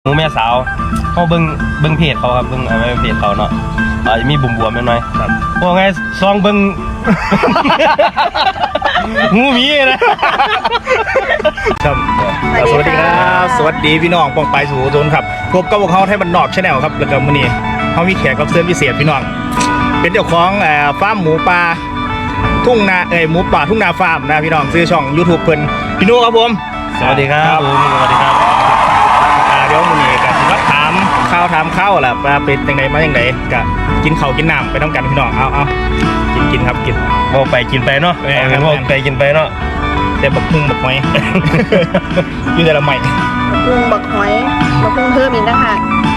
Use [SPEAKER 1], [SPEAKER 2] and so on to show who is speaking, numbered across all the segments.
[SPEAKER 1] หมูแม่สาวเขาเบิ้งเพจเขาครับเบิ้งอะไรเพจเขาเนาะจะมีบุ่มบวมน้อยครับพวกไงซองเบิ้งงูมีนะครับ
[SPEAKER 2] สวัสดีครับสวัสดีพี่น้องปองไปสู่โซนครับพบกับพวกเขาไทยบ้านนอกชาแนลครับแล้วก็มื้อนี้เขามีแขกรับเชิญพิเศษพี่น้องเป็นเจ้าของฟาร์มหมูป่าทุ่งนาหมูป่าทุ่งนาฟาร์มนะพี่น้องซื้อช่อง YouTube เพิ่นพี่นุครับผม
[SPEAKER 1] สวัสดีครับสวัสดีครับ
[SPEAKER 2] เดี๋ยวมื้อนี้ก็สิมาถามข้าวล่ะว่าเป็นจังไดมาจังไดก็กินข้าวกินน้ำไปต้องกันพี่น้องเอากินครับกิน
[SPEAKER 1] โมไปกินไปเนาะโมไปกินไปเนาะ
[SPEAKER 2] แต่บักพุ่งบักหอยอยู่แต่ละใหม่
[SPEAKER 3] บักหอยบักพุ่งเพิ่มอีกนะคะ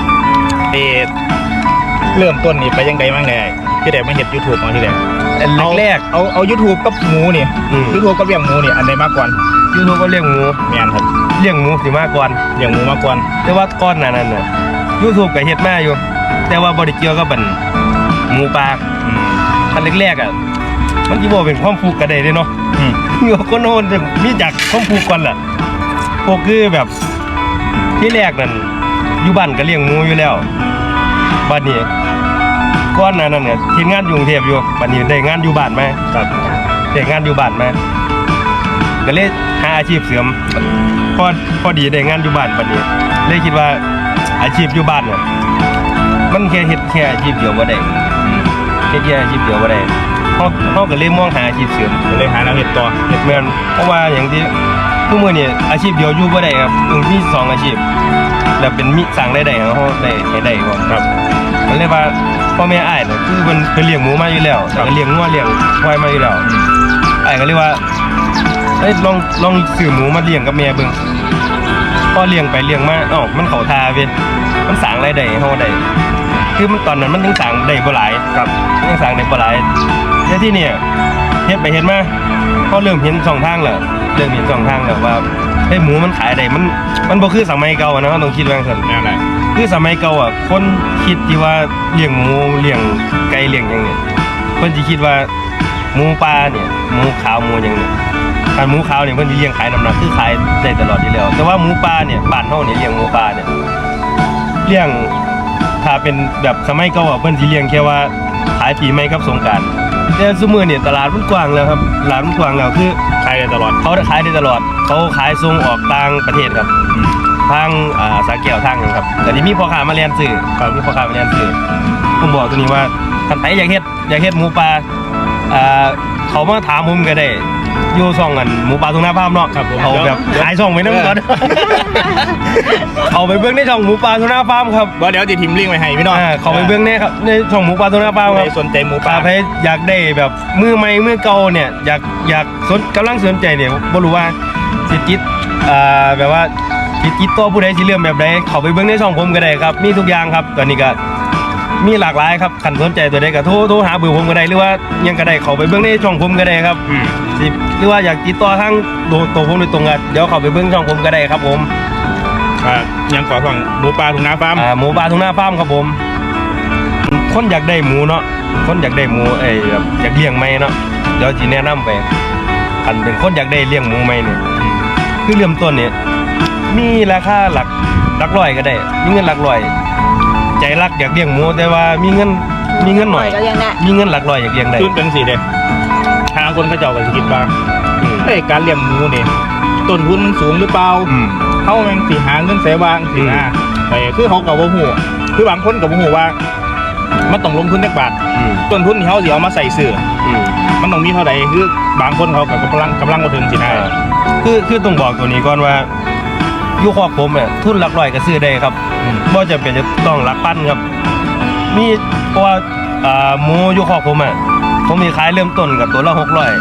[SPEAKER 2] เริ่มต้นนี่ไปยังไงบ้างเนี่ยที่แรกไม่เห็น YouTube มาที่แรก
[SPEAKER 1] แรก
[SPEAKER 2] เอา YouTube กับหมูนี่ YouTube กับเลี้ยงหมูนี่อันใดมากกว่า
[SPEAKER 1] YouTube ก็เลี้ยงหมู
[SPEAKER 2] แม่นครับ
[SPEAKER 1] เลี้ยงหมูสิมากกว่า
[SPEAKER 2] เลี้ยงหมูมากกว่า
[SPEAKER 1] แต่ว่าก้อนนั้นน่ะ YouTube ก็เฮ็ดมาอยู่แต่ว่าบ่ได้เกี่ยวกับหมูปลาอันแรกๆอ่ะมันสิบ่เป็นความผูกกันได้เด้เนาะมีคนโหนมีจากความผูกก่อนล่ะพวกคือแบบที่แรกนั่นอยู่บ้านก็เลี้ยงหมูอยู่แล้วบัดนี้ก้อนนั้นเนี่ยทีมงานอยู่กรุงเทพอยู่บัดนี้ได้งานอยู่บ้านมาครับได้งานอยู่บ้านมาก็เลยหาอาชีพเสริมพอดีได้งานอยู่บ้านบัดนี้เลยคิดว่าอาชีพอยู่บ้านเนี่ยมันแค่เฮ็ดแค่อาชีพเดียวบ่ได้แค่อาชีพเดียวบ่ได้เขาก็เลยมองหาอาชีพเสริม
[SPEAKER 2] เลยหาแนวเฮ็ดต่อ
[SPEAKER 1] เฮ็ดแม่นเพราะว่าอย่างที่ทุกมื้อนี่อาชีพเดียวอยู่บ่ได้ครับต้องมี2อาชีพแล้วเป็นมีสร้างรายได้ให้เฮาได้ให้ได้บ่ครับมันเลยว่าพ่อแม่อ้ายน่ะคือเพิ่นเลี้ยงหมูมาอยู่แล้วแล้วก็เลี้ยงงัวเลี้ยงควายมาอยู่แล้วอ้ายก็เลยว่าเฮ้ยลองซื้อหมูมาเลี้ยงกับแม่เบิ่งพอเลี้ยงไปเลี้ยงมามันเข้าท่าเว้ยมันสร้างรายได้ให้เฮาได้คือมันตอนนั้นมันถึงสร้างได้บ่หลายครับยังสร้างได้บ่หลายแต่ที่นี่เฮ็ดไปเฮ็ดมาพอเริ่มเห็นช่องทางแล้วว่าไอ้หมูมันขายได้มันบ่คือสมัยเก่านะต้องคิดว่าซั่น
[SPEAKER 2] นั่นแหละ
[SPEAKER 1] คือสมัยเก่าอ่ะคนคิดที่ว่าเลี้ยงหมูเลี้ยงไก่เลี้ยงหยังเนี่ยเพิ่นสิคิดว่าหมูป่าเนี่ยหมูขาวหมูหยังเนี่ยถ้าหมูขาวเนี่ยเพิ่นสิเลี้ยงขายน้ำหนักคือขายได้ตลอดอยู่แล้วแต่ว่าหมูป่าเนี่ยบ้านเฮาเนี่ยเลี้ยงหมูป่าเนี่ยเลี้ยงถ้าเป็นแบบสมัยเก่าอ่ะเพิ่นสิเลี้ยงแค่ว่าขายปีใหม่กับสงกรานต์แต่ซุมื้อเนี่ยตลาดมันกว้างแล้วครับตลาดมันกว้างแล้วคือ
[SPEAKER 2] ขายได้ตลอด
[SPEAKER 1] เขาขายได้ตลอดเขาขายส่งออกต่างประเทศครับทางสาแก้วทางนึงครับแต่นี่มีพ่อค้ามาเรียนซื้อครับมีพ่อค้ามาเรียนซื้อผมบอกตัวนี้ว่าท่านไหนอยากเฮ็ดหมูปลาเขามาถามผมก็ได้อยู่ช่องกันหมูปลาทุ่งนาฟาร์มเนาะครับเอาแบบขายช่องไว้นำก่อนเอาไปเบิ่งในช่องหมูปลาทุ่งนาฟาร์มครับ
[SPEAKER 2] บ่เดี๋ยวสิทิมลิงก์ไว้ให้พี่น้อง
[SPEAKER 1] เขาไปเบิ่งเนี่ยครับในช่องหมูปลาทุ่งนาฟาร์มครับ
[SPEAKER 2] สนใจหมูปลา
[SPEAKER 1] ใครอยากได้แบบมือใหม่มือเก่าเนี่ยอยากกำลังสนใจเนี่ยบ่รู้ว่าสิจิตแบบว่าติดต่อผู้ใดสิเรื่องแบบใดเข้าไปเบิ่งในช่องผมก็ได้ครับมีทุกอย่างครับตอนนี้ก็มีหลากหลายครับคันสนใจตัวใดก็โทรหาเบอร์ผมก็ได้หรือว่ายังก็ได้เข้าไปเบิ่งในช่องผมก็ได้ครับสิหรือว่าอยากติดต่อทางตัวผมโดยตรงก็เดี๋ยวเข้าไปเบิ่งช่องผมก็ได้ครับผม
[SPEAKER 2] ยังขอฟังหมูปลาทุ่งนาฟาร์ม
[SPEAKER 1] หมูปลาทุ่งนาฟาร์มครับผมคนอยากได้หมูเนาะคนอยากได้หมูแบบอยากเลี้ยงไหมเนาะเดี๋ยวสิแนะนำไปคันเป็นคนอยากได้เลี้ยงหมูไหมเนี่ยคือเริ่มต้นเนี่ยมีราคาหลักร้อยก็ได้มีเงินหลักร้อยใจรักอยากเลี้ยงหมูแต่ว่ามีเงินหน่อยมีเงินหลักร้อยอยากเลี้ยงได้
[SPEAKER 2] ทุนเป็นสิเด้ทางคนเขาเจ้าก็สิคิดว่าการเลี้ยงหมูนี่ต้นทุนมันสูงหรือเปล่าเฮาแม่งสิหาเงินใส่วางสินะแต่คือเขาก็บ่ฮู้คือบางคนก็บ่ฮู้ว่ามันต้องลงทุนจักบาทต้นทุนที่เฮาสิเอามาใส่ซื้อมันต้องมีเท่าใดคือบางคนเขาก็กำลังบ่ถึงสินะ
[SPEAKER 1] คือต้องบอกตัวนี้ก่อนว่าอยู่ครอบผมเนี่ยทุนหลักร้อยก็ซื้อได้ครับบ่จำเป็นจะต้องหลักพันครับมีเพราะว่าหมูอยู่ครอบผมผมมีขายเริ่มต้นกับตัวละ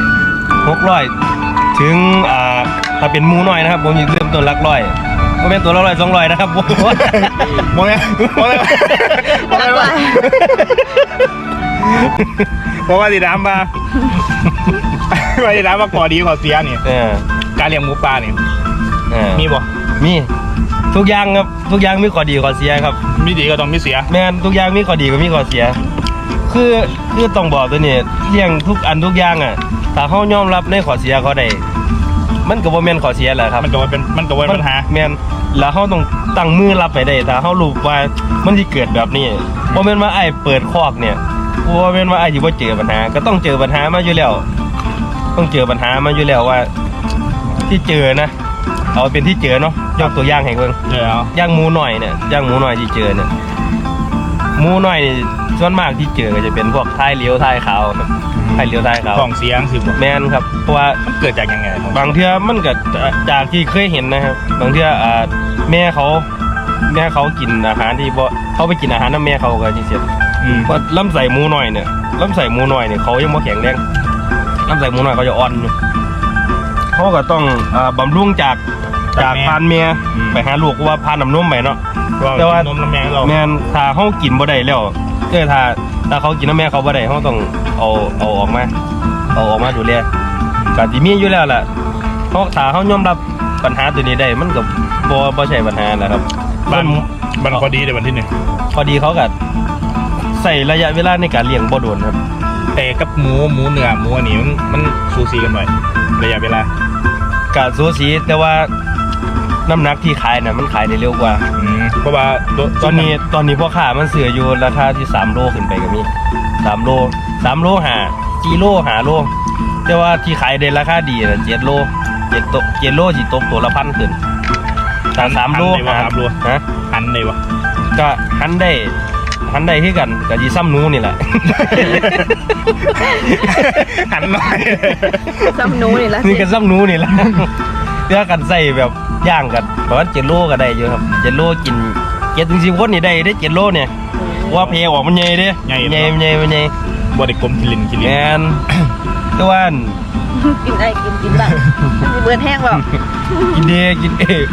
[SPEAKER 1] 600ถึงถ้าเป็นหมูน้อยนะครับผมมีเริ่มต้นหลักร้อยบ่แม่นตัวละ100 200นะครับบ่
[SPEAKER 2] แม่นเพราะว่าสิถามว่าก่อดีก่อเสียนี่การเลี้ยงหมูปลานี่มีบ่
[SPEAKER 1] มีทุกอย่างครับทุกอย่างมีข้อดีข้อเสียครับ
[SPEAKER 2] มีดีก็ต้องมีเสีย
[SPEAKER 1] แม่นทุกอย่างมีข้อดีก็มีข้อเสียคือต้องบอกตัวนี้เลี้ยงทุกอันทุกอย่างถ้าเฮายอมรับในข้อเสียเขาได้มันก็บ่แม่นข้อเสียแหละครับ
[SPEAKER 2] มันก็ว่าเป็นปัญหา
[SPEAKER 1] แม่นแล้วเฮาต้องตั้งมือรับไปได้ถ้าเฮารู้ว่ามันสิเกิดแบบนี้บ่แม่นว่าไอ้เปิดคอกเนี่ยบ่แม่นว่าไอ้สิบ่เจอปัญหาก็ต้องเจอปัญหามาอยู่แล้วต้องเจอปัญหามาอยู่แล้วว่าที่เจอนะเอาเป็นที่เจอเนาะยกตัวอย่างให้เบิ่ง
[SPEAKER 2] เดี๋ยว
[SPEAKER 1] ย่างหมูหน่อยเนี่ยย่างหมูหน่อยที่เจอเนี่ยหมูหน่อยนี่ส่วนมากที่เจอก็จะเป็นพวกท้ายเลี้ยวท้ายขาวครับท้ายเลี้ยวท้ายขาว
[SPEAKER 2] ของเสียงสิบ่
[SPEAKER 1] แม่นครับเพราะว่า
[SPEAKER 2] มันเกิดจากยังไง
[SPEAKER 1] บางเทื่อมันก็จากที่เคยเห็นนะครับบางเทื่อแม่เขากินอาหารที่บ่เขาไปกินอาหารน้ำแม่เขาก็จะเสียเพราะลำไส้หมูหน่อยเนี่ยลำไส้หมูหน่อยเนี่ยเขายังบ่แข็งแรงลำไส้หมูหน่อยเขาจะอ่อนอยู่เขาก็ต้องบำรุงจากพานเมียไปหาลูกเพราะว่าพานน้ำนมไปเนาะ แต่ว่า
[SPEAKER 2] นมน้ำแมงเรา
[SPEAKER 1] แม่นถ้าเขากินบ่ได้แล้วถ้าเขากินน้ำแม่เขาบ่ได้เขาต้องเอาออกมาดูแลก็สิมีอยู่แล้วล่ะเพราะถ้าเขายอมรับปัญหาตัวนี้ได้มันก็บ่ใช่ปัญหาแหละครับ
[SPEAKER 2] บ้านพอดีในวันที่หนึ่ง
[SPEAKER 1] พอดีเขาก็ใส่ระยะเวลาในการเลี้ยงบ่โดนครับ
[SPEAKER 2] แต่กับหมูเนื้อหมูอันนี้มันสูสีกันหน่อยระยะเวลา
[SPEAKER 1] ก็สูสีแต่ว่าน้ำหนักที่ขายน่ะมันขายได้เร็วกว่า
[SPEAKER 2] เพราะว่า
[SPEAKER 1] ตอนนี้พ่อค้ามันเสืออยู่ราคาที่3โลขึ้นไปก็มี3โล4โล5โลแต่ว่าที่ขายได้ราคาดีน่ะ7โล7โลสิตกตัวละ1,000ขึ้นแต่3โล
[SPEAKER 2] 3 โล
[SPEAKER 1] ฮะ
[SPEAKER 2] หันเลยวะ
[SPEAKER 1] ก็หันได้คือกันก็สิซ้ำหนูนี่แหละ
[SPEAKER 2] หันหน่อย
[SPEAKER 3] ซ้ำหนูนี่ละ
[SPEAKER 1] นี่ก็ซ้ำหนูนี่แหละเพื่อกันใส่แบบย่างกันประมาณ7โลก็ได้อยู่ครับ7โลกิน7-10คนนี่ได้7โลเนี่ยว่าเพออกมันใหญ่เด้ใหญ่
[SPEAKER 2] บริกรมคิลิน
[SPEAKER 1] แมนแต่ว่า
[SPEAKER 3] กินได้กินบ้างเบื่อแห้งเปล่า
[SPEAKER 1] กินเดกินเอก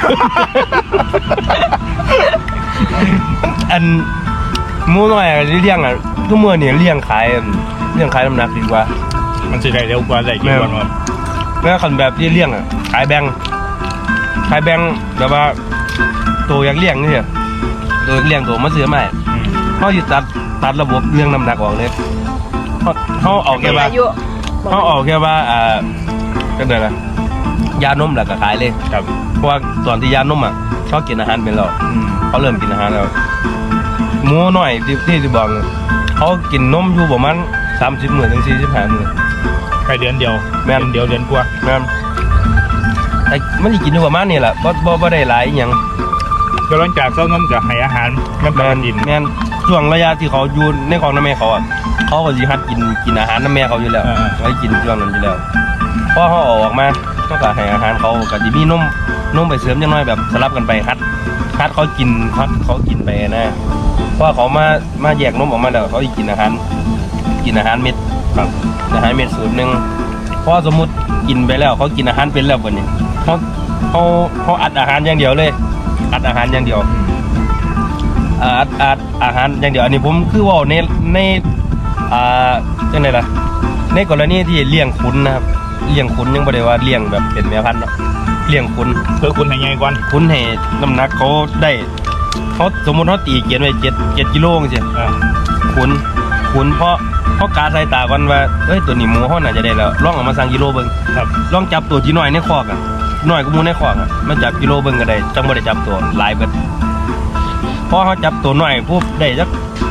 [SPEAKER 1] อันหมูน้อยอะเลี้ยงอ่ะทุกมื้อนี่เลี้ยงขายน้ำหนักดีกว่า
[SPEAKER 2] มันสิได้เร็วกว่าได้กี่วันวะ
[SPEAKER 1] แล้วคันแบบที่เลี้ยงอ่ะขายแบงแบบว่าตัวอยากเลี้ยงนี่เนี่ยตัวเลี้ยงตัวมาซื้อใหม่เขาสิตัดระบบเรื่องน้ำหนักออกเลยเขาเอาแค่ว่า
[SPEAKER 3] อายุ
[SPEAKER 1] เขาออกแค่ว่าก็เดี๋ยวนะยานมแหละก็ขายเลย
[SPEAKER 2] ครับ
[SPEAKER 1] เพราะว่าตอนที่ยานมอ่ะเขากินอาหารเป็นแล้วเขาเริ่มกินอาหารแล้วหมูน้อยที่บอกเขากินนมอยู่ประมาณ30 มื้อถึง45 มื้อ
[SPEAKER 2] แค่เดือนเดียว
[SPEAKER 1] แม่น
[SPEAKER 2] เดียวเดือนกว่า
[SPEAKER 1] แม่นแต่มันสิกินอยู่ประมาณนี้แหละบ่ได้หลายอหยัง
[SPEAKER 2] ก็หลังจากเช้านมกับให้อาหารน้ำ
[SPEAKER 1] แม่
[SPEAKER 2] ตาล
[SPEAKER 1] น
[SPEAKER 2] ดิน
[SPEAKER 1] แม่นช่วงระยะที่เขาอยู่ในของน้ำแม่เขาอ่ะเขาก็สิหัดกินอาหารน้ำแม่เขาอยู่แล้วเขากินช่วงนั้นอยู่แล้วพอเขาออกมาเขาก็ให้อาหารเขาก็สิมีนมไปเสริมจังน้อยแบบสลับกันไปหัดเขากินไปนะเพราะเขามาแยกนมออกมาแล้วเขาสิกินอาหารเม็ดครับอาหารเม็ดสูตรหนึงเพราะสมมุติกินไปแล้วเขากินอาหารเป็นแล้วบัดนี้เขาอัดอาหารอย่างเดียวเลยอัดอาหารอย่างเดียวอัดอาหารอย่างเดียวอันนี้ผมคือว่าในจังได๋ล่ะในกรณีที่เลี้ยงขุนนะครับเลี้ยงขุนยังบ่ได้ว่าเลี้ยงแบบเป็นแม่พันธุ์เนาะเลี้ยงขุน
[SPEAKER 2] เพื่อคุณให้ใหญ่ก่อน
[SPEAKER 1] ขุนให้น้ำหนักเขาได้เขาสมมุติเขาตีเกียนไว้7กิโลจังซี่ขุนเพราะเขากาสายตาก่อนว่าเอ้ยตัวนี้หมูเขาน่าจะได้แล้วลองเอามาสั่งกิโลเบิ่ง
[SPEAKER 2] ครับ
[SPEAKER 1] ลองจับตัวที่น้อยในคอกอ่ะน้อยกว่าหมูในคอกอ่ะมาจับกิโลเบิ่งก็ได้จังบ่ได้จับตัวหลายเบิดพอเขาจับตัวน้อยปุ๊บได้จัก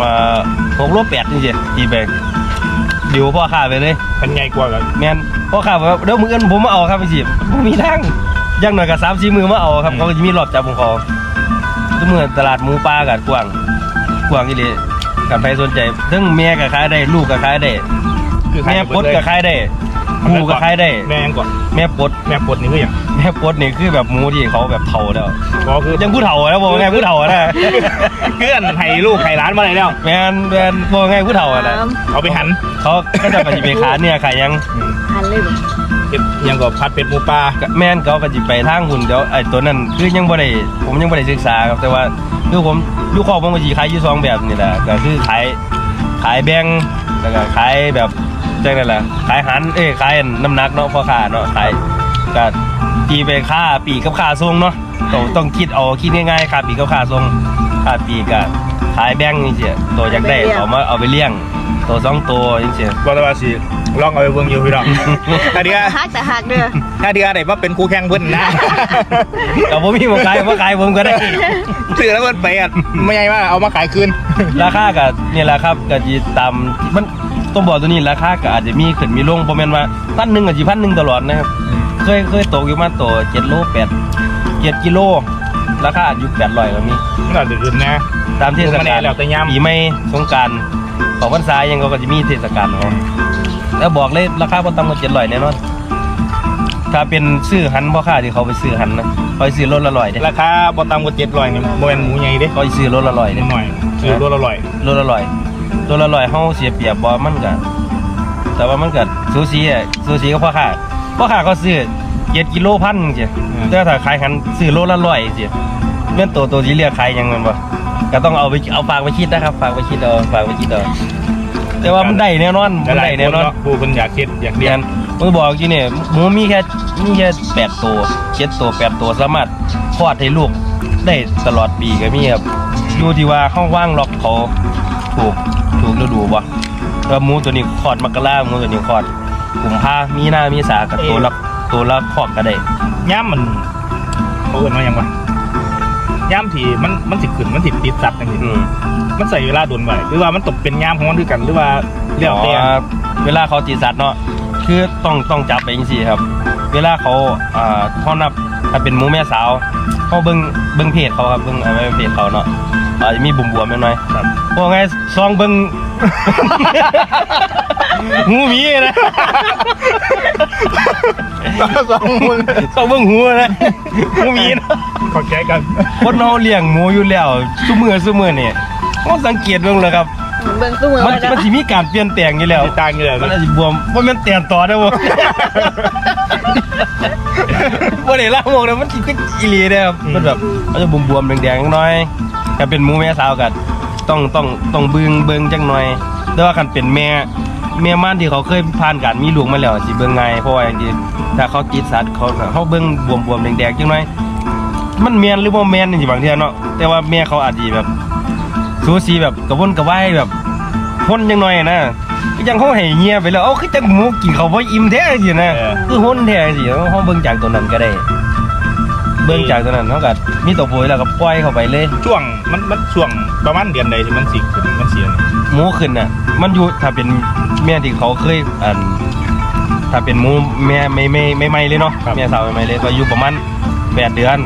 [SPEAKER 1] 6โล8จังซี่ตีไปเดี๋ยวพ่อค้าไปเลย
[SPEAKER 2] พันใหญ่กว่ากัน
[SPEAKER 1] แม่นพ่อค้าบอกว่าเดี๋ยวมื้ออื่นผมมาเอาครับพี่สิบ่มีทางอย่างน้อยก็3-4 มื้อมาเอาครับเขาก็จะมีรอบจับของเขาทุกมื้อตลาดหมูป่าก็กว้างอีหลีกันไปสนใจทั้งแม่ก็ขายได้ลูกก็ขายได้
[SPEAKER 2] คือ
[SPEAKER 1] แม่ปลดก็ขายได้หมูก็ขายได้
[SPEAKER 2] แม่ยังก่อน
[SPEAKER 1] แม่ปลด
[SPEAKER 2] แม่ปลดนี่คืออย่าง
[SPEAKER 1] แม่ปลดนี่คือแบบหมูที่เขาแบบเฒ่าแล้ว
[SPEAKER 2] ก็คือ
[SPEAKER 1] ยังผู้เฒ่าแล้วบอกว่าไงผู้เฒ่านะ
[SPEAKER 2] เพื่อนให้ลูกให้ร้านมาเลยแล้ว
[SPEAKER 1] แม่นบอกว่าไงผู้เฒ่านะ
[SPEAKER 2] เอาไปหัน
[SPEAKER 1] เขาก็จะไปสิไปขายเนี่ยขายยัง
[SPEAKER 3] หันเลยบ่
[SPEAKER 2] ยังก็พัดเป็ดหมูปลา
[SPEAKER 1] แม่นเขาก็สิไปทางหุ่นเดี๋ยวไอ้ตัวนั้นคือยังบ่ได้ผมยังบ่ได้ศึกษาครับแต่ว่าคือผมอยู่ครอบผมก็สิขายอยู่2แบบนี่แหละก็คือขายแบ่งแล้วก็ขายแบบจังได๋ล่ะขายหันขายน้ำหนักเนาะพ่อค้าเนาะขายก็ตีไปค่าปีกกับค่าส่งเนาะต้องคิดง่ายๆค่าปีกกับค่าส่งค่าปีกก็ขายแบ่งจังซี่ตัวอยากได้เอาไปเลี้ยงตัว2ตัวจังซี่
[SPEAKER 2] ว่าแต่ว่าสิลองเอาไปเบิ่งอยู่พี่น้องถ้าเดือ
[SPEAKER 3] ฮักแต่ฮักเด้อ
[SPEAKER 2] ถ้าเดือได้มาเป็นคู่แข่งเพิ่นนะ
[SPEAKER 1] แต่ผมมีบ่ขายบ่ขายผมก็ได้
[SPEAKER 2] ซื้อแล้วเพิ่นไปอ่ะไม่ใช่ว่าเอามาขายคืน
[SPEAKER 1] ราคาก็นี่แหละครับก็สิตามมันต้องบอกตัวนี้ราคาก็อาจจะมีขึ้นมีลงบ่แม่นว่า1,000ก็สิ1,000ตลอดนะครับเคยตกอยู่มาตัว7โล7กิโลราคาอยู่800ก็มี
[SPEAKER 2] มันอาจจะขึ้นนะ
[SPEAKER 1] ตามเทศ
[SPEAKER 2] มัน
[SPEAKER 1] กาล
[SPEAKER 2] แล้วแต่ยาม
[SPEAKER 1] ปีใหม่สงกรานต์ของพรรษายังก็จะมีเทศกาลของเขาแล้วบอกเลยราคาบ่ต่ำกว่า700แน่นอนถ้าเป็นซื้อหันพ่อค้าที่เขาไปซื้อหันนะเขาไปซื้อรถละ100เด้
[SPEAKER 2] ราคาบ่ต่ำกว่า700นี่บ่แม่นหมูใหญ่เด้
[SPEAKER 1] เขาไปซื้อรถละ100
[SPEAKER 2] นิ
[SPEAKER 1] เด้
[SPEAKER 2] ดหน่อยซื้อรถละร้อย
[SPEAKER 1] รถละ100รถละ100เฮาเสียเปรียบบ่มันก็แต่ว่ามันก็สูสีกับพ่อค้าก็ซื้อ7กิโลพันจังซี่แต่ถ้าขายหันซื้อโลละ100จังซี่แม่นตัวที่เรียกขายหยังแม่นบ่ก็ต้องเอาฝากไปคิดนะครับฝากไปคิดเอาแต่ว่ามันได้แน่นอนมันได้แน่นอน
[SPEAKER 2] ผู้เพิ่นอยากคิดอยากเรี
[SPEAKER 1] เรี
[SPEAKER 2] ย
[SPEAKER 1] ย
[SPEAKER 2] น
[SPEAKER 1] นผมบอกจริงเนี่ยหมูมีแค่8ตัว7ตัว8ตัวสามารถคลอดให้ลูกได้ตลอดปีก็มีครับอยู่ที่ว่าห้องว่างล็อกเขาถูกฤดูบ่แล้วหมูตัวนี้คลอดมกราหมูตัวนี้คลอดกุมภามีนามีสากับตัวละคลอดก็ได้
[SPEAKER 2] ย่ามมันเขาเอิ้นว่าหยังวะย่ามที่มันสิขึ้นมันสิติดสัตว์จังซี่
[SPEAKER 1] อืม
[SPEAKER 2] มันใส่เวลาโดนไว้หรือว่ามันตกเป็นย่ามของมันคือกันหรือว่าเรียกแต่
[SPEAKER 1] เวลาเขาตีสัตว์เนาะคือต้องจับไปจังซี่ครับ เวลาเขาเขานับถ้าเป็นหมูแม่สาวเขาเบิ่งเพจเขาครับเบิ่งไม่เพจเขาเนาะจะมีบุ่มบวมๆน้อยๆ
[SPEAKER 2] ครับ
[SPEAKER 1] พวกไงซองเบิ่ง หูหมีนะ
[SPEAKER 2] สองมือ
[SPEAKER 1] ซองเบิ่งหูนะหูหมีนะ
[SPEAKER 2] ขอแก้กัน
[SPEAKER 1] คนเฮาเลี้ยงหมูอยู่แล้วซุมื้อนี่เขาสังเกตเบิ่งเลยครับ
[SPEAKER 3] เบิ่งตู้มือ
[SPEAKER 1] มัน
[SPEAKER 3] ไว้กัน
[SPEAKER 1] มันสิมีการเปลี่ยนแปลงอยู่แล้ว
[SPEAKER 2] ติดตามอยู่เลย
[SPEAKER 1] มันอาจจะบวมว่ามันเตียนต่อได้บ่ บ่ได้ละมองนะมันสิคืออีหลีเด้อครับมันแบบมันจะบวมๆแดงๆน้อยถ้าเป็นหมูแม่สาวก็ต้องเบิ่งจังหน่อย แต่ว่าคันเป็นแม่ม่านที่เขาเคยผ่านการมีลูกมาแล้วสิเบิ่งง่ายเพราะว่าอย่างที่ถ้าเขาติดสัตว์เขาเบิ่งบวมๆแดงๆจังหน่อยมันแม่นหรือบ่แม่นนี่สิบางเทื่อเนาะแต่ว่าแม่เขาอาจสิแบบสูสีแบบกระวนกระวายแบบพ่นจังหน่อยนะคือจังเขาให้เงียบไปแล้วคือจังหมูกินเขาบ่อิ่มแท้สินะคือห้นแท้สิเขาเบิ่งจากตัวนั้นก็ได้ เบิ่งจากตัวนั้นเขาก็มีตัวปุ๋ยแล้วก็ปล่อยเข้าไปเลย
[SPEAKER 2] ช่วงมันช่วงประมาณเดือนใดที่มันสิขึ้นมันเสียนี่
[SPEAKER 1] หมูขึ้นน่ะมันอยู่ถ้าเป็นแม่ที่เขาเคยถ้าเป็นหมูแม่ไม่เลยเนาะแม่สาวไม่เลยก็อยู่ประมาณ8 เดือน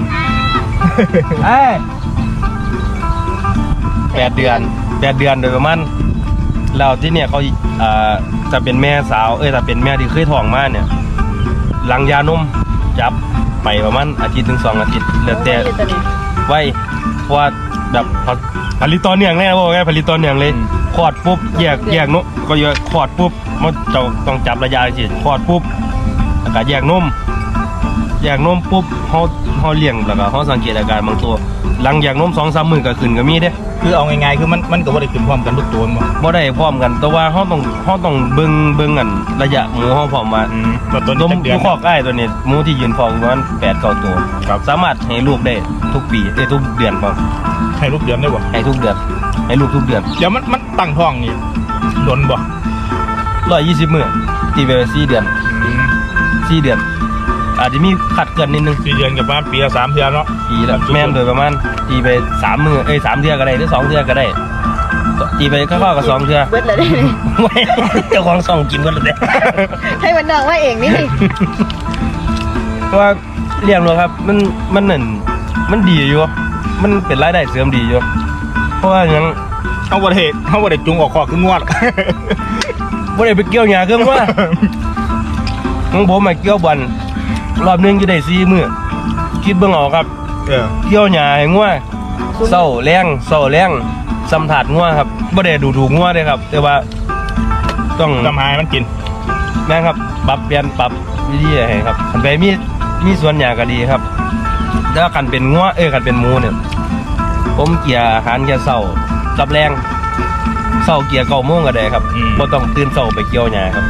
[SPEAKER 1] 8 เดือนโดยประมาณแล้วที่เนี่ยเขาจะเป็นแม่สาวถ้าเป็นแม่ที่เคยท้องมาเนี่ยหลังยานมจับไปประมาณอาทิตย์ถึง2 อาทิตย์แล้วแต่ไว้เพราะว่าแบบผลิตต่อเนื่องเลยนะบอกไงผลิตต่อเนื่องเลยคลอดปุ๊บแยกนมก็คลอดปุ๊บมันจะต้องจับระยะสิคลอดปุ๊บแล้วก็แยกนมปุ๊บเขาเลี้ยงแล้วก็เขาสังเกตอาการบางตัวหลังแยกนม2-3 มื้อก็ขึ้นก็มีเด้
[SPEAKER 2] คือเอาง่ายๆคือมันก็บ่ได้ขึ้นพร้อมกันทุกตัวมั้ง
[SPEAKER 1] บ่ได้พร้อมกันแต่ว่าเขาต้องเบิ่งกันระยะหมูเขาพร้อมว่า
[SPEAKER 2] แบบตัว
[SPEAKER 1] ตัว
[SPEAKER 2] นี้
[SPEAKER 1] ห
[SPEAKER 2] เดือน
[SPEAKER 1] มูคอกอ้ายตัวนี้หมูที่ยืนฟองประมาณ8-9 ตัว
[SPEAKER 2] ครับ
[SPEAKER 1] สามารถให้ลูกได้ทุกปีทุกเดือนพร้อม
[SPEAKER 2] ให้ลูกเดือนได้บ่
[SPEAKER 1] ให้ทุกเดือนให้ลูกทุกเดือน
[SPEAKER 2] เดี๋ยวมันตั้งท้องนี่โดนบ่
[SPEAKER 1] 120 มื้อตีไป4 เดือน4 เดือน อาจจะมีขัดเกินนิดนึง
[SPEAKER 2] 4 เดือนกับประมาณปีละ3เดือนเนาะ
[SPEAKER 1] ปีละแม่นโดยประมาณตีไป3 มื้อ3 เทื่อก็ได้หรือ2 เทื่อก็ได้ตีไปคร่าวๆก็2 เทื่อ
[SPEAKER 3] เบิดเลยได้ไหม
[SPEAKER 1] ไม่เจ้าของส่องกินกันเลย
[SPEAKER 3] ให้มันน้องว่าเองนี่
[SPEAKER 1] เพราะว่าเลี้ยงเลยครับมันนั่นมันดีอยู่มันเป็นรายได้เสริมดีอยู่เพราะว่าอย่าง
[SPEAKER 2] เฮาบ่ได้จุงออกคอกคืองวด
[SPEAKER 1] บ่ได้ไปเกี่ยวหญ้าเครื่องว่าของผมมาเกี่ยวบอลรอบหนึงจะได้4 มื้อคิดเบิ่งเอาครับเกี่ยวหญ้าให้งัวเช้าแรงสำถาดงัวครับบ่ได้ดูถูกงัวเด้ครับ แต่ว่าต้อง
[SPEAKER 2] ทำให้มันกิน
[SPEAKER 1] แม่นครับปรับเปลี่ยนปรับวิธีให้ครับคันไปมีส่วนหญ้าก็ดีครับแต่ว่าคันเป็นงัวคันเป็นหมูเนี่ยผมเกี่ยอาหารแค่เช้ากับแรงเช้าเกี่ย9 โมงก็ได้ครับบ่ต้องตื่นเช้าไปเกี่ยวหญ้าครับ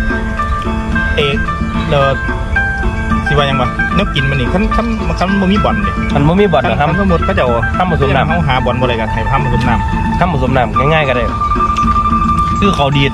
[SPEAKER 2] แล้วสิว่าหยังวะแนวกินมันนี่คันบ่มีบ่อนนี่
[SPEAKER 1] มันบ่มีบ่อน
[SPEAKER 2] คัน
[SPEAKER 1] นะครับ
[SPEAKER 2] สมมุติเขาเจ้า
[SPEAKER 1] ทำผสมน้ำ
[SPEAKER 2] เฮาหาบ่อนบ่ได้กันให้ทำผสมน้ำ
[SPEAKER 1] ทำผสมน้ำง่ายๆก็ได้คือเขาดีด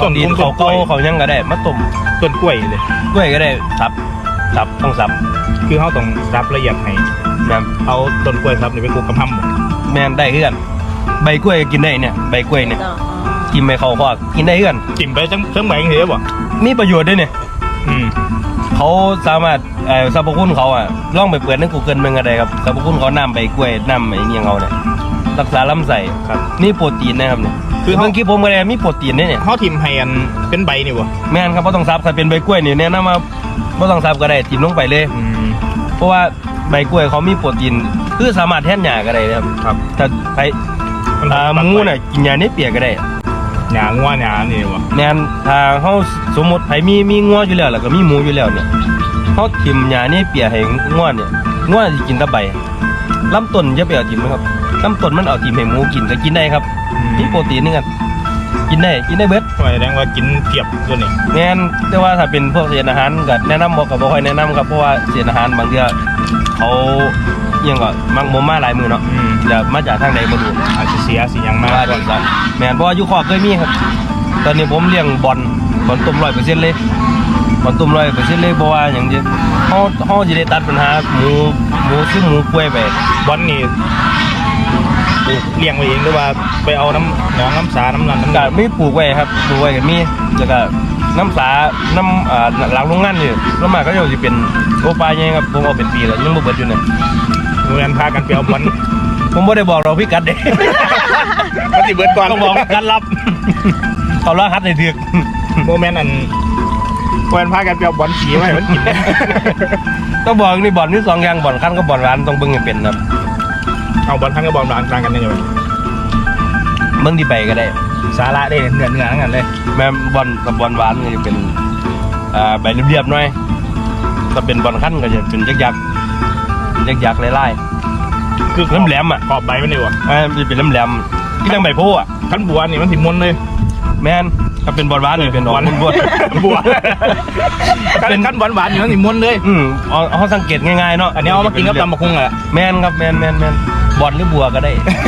[SPEAKER 1] เขาตีนเขาเกาเขายังก็ได้มาต้ม
[SPEAKER 2] ต้นกล้วยเลย
[SPEAKER 1] กล้วยก็ได้สับต้องสับ
[SPEAKER 2] คือเขาต้องซับละเอียดให้
[SPEAKER 1] แม่น
[SPEAKER 2] เอาต้นกล้วยซับนี่ไปคลุกกับห้ำหมด
[SPEAKER 1] แม่นได้เพื่อนใบกล้วยก็กินได้เนี่ยใบกล้วยเนี่ย
[SPEAKER 3] อ๋อ
[SPEAKER 1] กินไปเขาก็กินได้เพื่อน
[SPEAKER 2] จิ้มไปจังเพิ่มใบเหรอบ่
[SPEAKER 1] มีประโยชน์ด้วยเนี่ย
[SPEAKER 2] อืม
[SPEAKER 1] เขาสามารถสรรพคุณเขาอ่ะลองไปเปิดใน Google มันก็ได้ครับสรรพคุณเขาน้ำใบกล้วยน้ำไอ้เนี่ยเขาเนี่ยรักษาลำไส้
[SPEAKER 2] ครับ
[SPEAKER 1] นี่โปรตีนนะครับเนี่ย
[SPEAKER 2] คือ
[SPEAKER 1] เมื่อกี้ผมก็ได้มีโปรตีนเนี่ย
[SPEAKER 2] เขาทิมให้อันเป็นใบนี่บ่
[SPEAKER 1] แม่นครับบ่ต้องซับถ้าเป็นใบกล้วยนี่แนะนำว่าบ่ต้องซับก็ได้จิ้มลงไปเลย
[SPEAKER 2] อืม
[SPEAKER 1] เพราะว่าใบกล้วยเขามีโปรตีนคือสามารถแทนหญ้าก็ได้นะครับ
[SPEAKER 2] ครับ
[SPEAKER 1] ถ้าไปหมูน่ะกินหญ้าในเปียกก็ได้
[SPEAKER 2] หญ้างัวหญ้านี่บ่
[SPEAKER 1] แม่นถ้าเฮาสมมุติไผมีงัวอยู่แล้วแล้วก็มีหมูอยู่แล้วเนี่ยเฮาทิ่มหญ้าในเปียกให้งัวเนี่ยงัวสิกินแต่ใบลำต้นอย่าไปเอาทิ่มนะครับลำต้นมันเอาทิ่มให้หมูกินก็กินได้ครับมีโปรตีนนี่กันกินได้เบิด
[SPEAKER 2] แสดงว่ากินเทียบตัวนี้
[SPEAKER 1] แม่นแต่ว่าถ้าเป็นพวกเศษอาหารก็แนะนำบอกกับบ่ค่อยแนะนำครับเพราะว่าเศษอาหารบางเทื่อเขาเอียงก็มักบ่มาหลายมือเนาะ
[SPEAKER 2] อืม
[SPEAKER 1] จะมาจากทางใดบ่รู้
[SPEAKER 2] อาจจะเสียสิหยังมาก
[SPEAKER 1] ว่าจังซั่นแม่นเพราะว่าอยู่คอกเคยมีครับ ตอนนี้ผมเลี้ยงบอลต้ม 100% เลยบอลต้ม 100% เลยบ่ว่าหยังเด้เฮาสิได้ตัดปัญหาหมูซึ่งหมูป่วยไป
[SPEAKER 2] บอลนี่เลี้ยงไว้เองหรือว่าไปเอาน้ำหนองน้ำสาน้ำนันน้ำ
[SPEAKER 1] ก็
[SPEAKER 2] ดา
[SPEAKER 1] มีปลูกไว้ครับปลูกไว้ก็มีแล้วก็น้ำสาน้ำหลังโรงงานนี่ส่วนมากก็จะเป็นโอปลาใหญ่ครับผมเอาเป็นปีแล้วยังบ่เบิดอยู่เนี่ย
[SPEAKER 2] โรงเรียนพากันไปเอาบอล
[SPEAKER 1] ผมไม่ได้บอกเราพี่กัดเด้
[SPEAKER 2] มันสิเบิดก่อน
[SPEAKER 1] ต้องบอกการรับ เขาล่าฮัดในเถือก
[SPEAKER 2] โมเมนต์อันโรงเรียนพากันไปเอาบอลสีไว้มันกิน
[SPEAKER 1] ต้องบอกนี่บ่อนนี่สองอย่างบ่อนขั้นกับบ่อนร้านต้องเบิ่งให้เป็นครับ
[SPEAKER 2] เอาบอลทั้งกับบอลต่างกันยังไง
[SPEAKER 1] เบิ่งที่ใบก็ได้
[SPEAKER 2] สาระได้เนื้อทั้งนั้นเลย
[SPEAKER 1] แม่บ่อนกับบ่อนหวานก็จะเป็นใบเรียบๆหน่อยถ้าเป็นบ่อนขั้นก็จะเป็นยักษ์ๆลาย
[SPEAKER 2] คือ
[SPEAKER 1] ๆแหลมๆอ่ะ
[SPEAKER 2] ขอบใบมันดีกว่า
[SPEAKER 1] มันจะเป็นแหลมๆที่ตั้งใบโพอ่ะ
[SPEAKER 2] ขั้นบัวนี่มันสิมนเลย
[SPEAKER 1] แม่นถ้าเป็นบ่อนหวานนี่เป็นดอกบัว
[SPEAKER 2] บัวขั้นหวานๆอยู่มันสิมนเลย
[SPEAKER 1] เอาสังเกตง่ายๆเนาะ
[SPEAKER 2] อันนี้เอามากินกับตำบักหุ่งแหละ
[SPEAKER 1] แม่นครับแม่นบ่อนหรือบัวก็ได้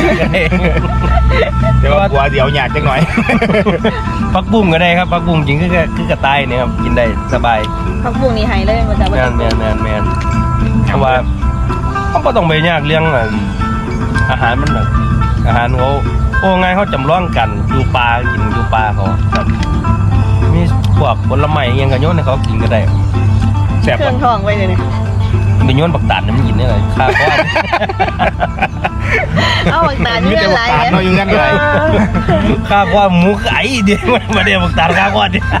[SPEAKER 2] แต่ว่าบัวเดี๋ยวหยาดจังหน่อย
[SPEAKER 1] ผักบุ้งก็ได้ครับผักบุ้งจริงคือกระต่ายเนี่ยครับกินได้สบาย
[SPEAKER 3] พักบุ้งนี่ให้เลยมันจะ
[SPEAKER 1] แมนเพราะว่าเขาก็ต้องไปยากเรื่องอาหารมันแบบอาหารเขาโอ้ไงเขาจำลองกันดูปลากินดูปลาเขาครับมีพวกผลไม้อิหยังกันโยนให้เขากินก็ได้
[SPEAKER 2] แสบ
[SPEAKER 3] เครื่องทองไว้เลยเนี่ย
[SPEAKER 1] ไปโยนบักตาลเนี่ยมันกินได้เลยข้าวก้อน
[SPEAKER 3] เอาหวังตา
[SPEAKER 2] มี
[SPEAKER 3] เงื่
[SPEAKER 2] แต่
[SPEAKER 3] อน
[SPEAKER 2] บั
[SPEAKER 3] ไร
[SPEAKER 2] กตาลเนาะอยู่งั้นเลย
[SPEAKER 1] ข้าวก้อนหมูไก่เดี๋ยวมาเดี๋ยวบักตาลข้าวก้อนเดี๋ยว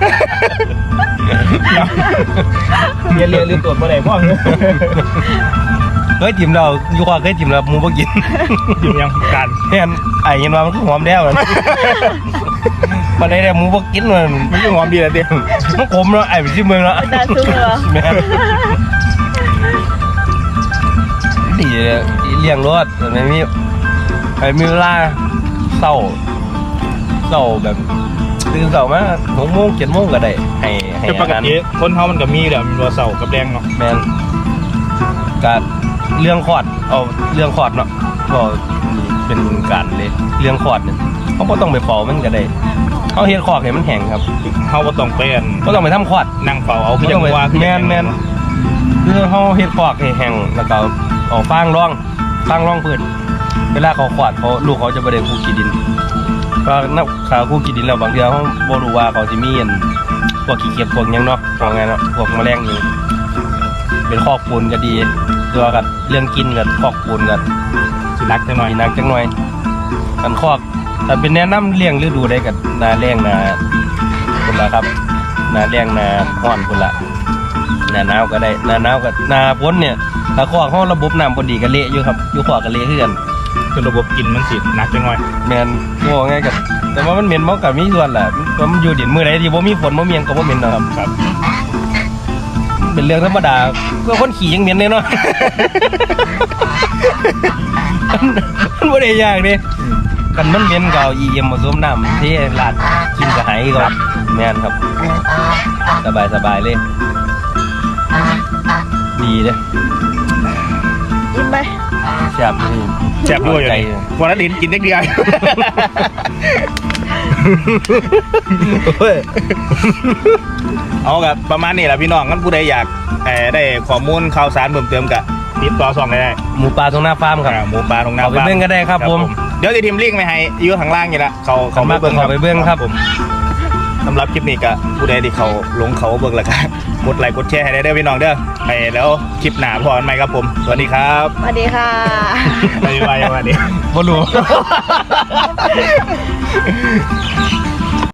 [SPEAKER 2] เรียนหรือตรวจบ่ได้พ่อ
[SPEAKER 1] เคยจิ้มเราอยู่ข้อเคยจิ้มเราหมูบ่กิน
[SPEAKER 2] อยู่ยังการ
[SPEAKER 1] แม่นไอ้เห็นว่ามันคือหอมแล้วมันมาได้หมูบ่กินมัน
[SPEAKER 2] มันก็หอมดีแหละเด็ก
[SPEAKER 1] มันขมเนาะไอ้ไปชิมเมืองเนาะ
[SPEAKER 3] ตาซุ้มเหรอ
[SPEAKER 1] แม่นดีเลี้ยงรถแต่ไม่มีเวลาเศร้าแบบตื่นเศร้ามา6 โมง 7 โมงก็ได้ให้
[SPEAKER 2] แต่ปกติคนเฮามันก็มีแหละมีบัวเสากับแดงเนาะ
[SPEAKER 1] แม่นการเรื่องคอดเอาเรื่องคอดเนาะก็เป็นการเลยเรื่องคอดเนี่ยเขาก็ต้องไปเป่ามันก็ได้เขาเฮ็ดคอกให้มันแห้งครับ
[SPEAKER 2] เฮาบ่ต้องไปอัน
[SPEAKER 1] ก็ต้องไปทำคอด
[SPEAKER 2] นั่งเฝ้าเอาคือจังว่า
[SPEAKER 1] แม่นคือเขาเฮ็ดคอกให้แห้งแล้วก็เอาฟางร่องพื้นเวลาเขาคอดเขาลูกเขาจะบ่ได้คู่ขี้ดินเพราะนักข่าวคู่ขี้ดินแล้วบางเทื่อเขาบ่รู้ว่าเขาสิมีอันพวกขี้เกียจพวกหยังเนาะพวกไงเนาะพวกแมลงอยู่เป็นคอกปูนก็ดีตัวกับเรื่องกินกับคอกปูนกับ
[SPEAKER 2] สิรักจังหน่อย
[SPEAKER 1] มีนักจังหน่อยกันคอกแต่เป็นแนะนำเลี้ยงฤดูได้กับนาแรงนาคนละครับนาแรงนาห้อนคนละนาหนาวก็ได้นาหนาวกับนาพ้นเนี่ยถ้าคอกเขาระบบน้ำพอดีก็เละอยู่ครับอยู่คอกก็เละขึ้น
[SPEAKER 2] คือระบบกินมันสิหนักจังหน่อย
[SPEAKER 1] แมนง่ไงกับแต่ว่ามันเหม็นมันกับมีส่วนแหละมันอยู่ดินมือไหนที่บ่มีฝนบ่มีหยังก็บ่เหม็นนะครับ
[SPEAKER 2] ครับ
[SPEAKER 1] เป็นเรื่องธรรมดาเพื่อคนขี่ยังเหม็นเลยเนาะ มันบ่ได้ยากเด้กันมันเหม็นก็เอาEMผสมน้ำเทลาดกินก็หายก็แม่นครับสบายเลยดีเด้
[SPEAKER 3] ยิ้มไป
[SPEAKER 1] แซ่บนี่
[SPEAKER 2] แซ่บด้วยอยู่
[SPEAKER 1] ใจ
[SPEAKER 2] นี่วันนั้นลิ้นกินเล็กเดียวเอากับประมาณนี้แหละพี่น้องงั้นผู้ใดอยากได้ข้อมูลข่าวสารเพิ่มเติมกับติดต่อส่องได้
[SPEAKER 1] หมูปลาตรงหน้าฟาร์มครับ
[SPEAKER 2] หมูปลาตรงหน้า
[SPEAKER 1] เอาไปเบิ่งก็ได้ครับผม
[SPEAKER 2] เดี๋ยวจะทิมลิงก์ไปให้อยู่ข้างล่างนี่ละเขา
[SPEAKER 1] มาเบิ่งเขาไปเบิ่งครับ
[SPEAKER 2] ผมสำหรับคลิปนี้ก็ผู้ใดที่เขาลงเขาเบิ่งแล้วก็กดไลค์กดแชร์ให้ได้เด้อพี่น้องเด้อไปแล้วคลิปหน้าพอกันใหม่ครับผมสวัสดีครับ
[SPEAKER 3] สวัสดีค่ะ
[SPEAKER 2] บ๊ายบายวันนี้
[SPEAKER 1] บ่รู้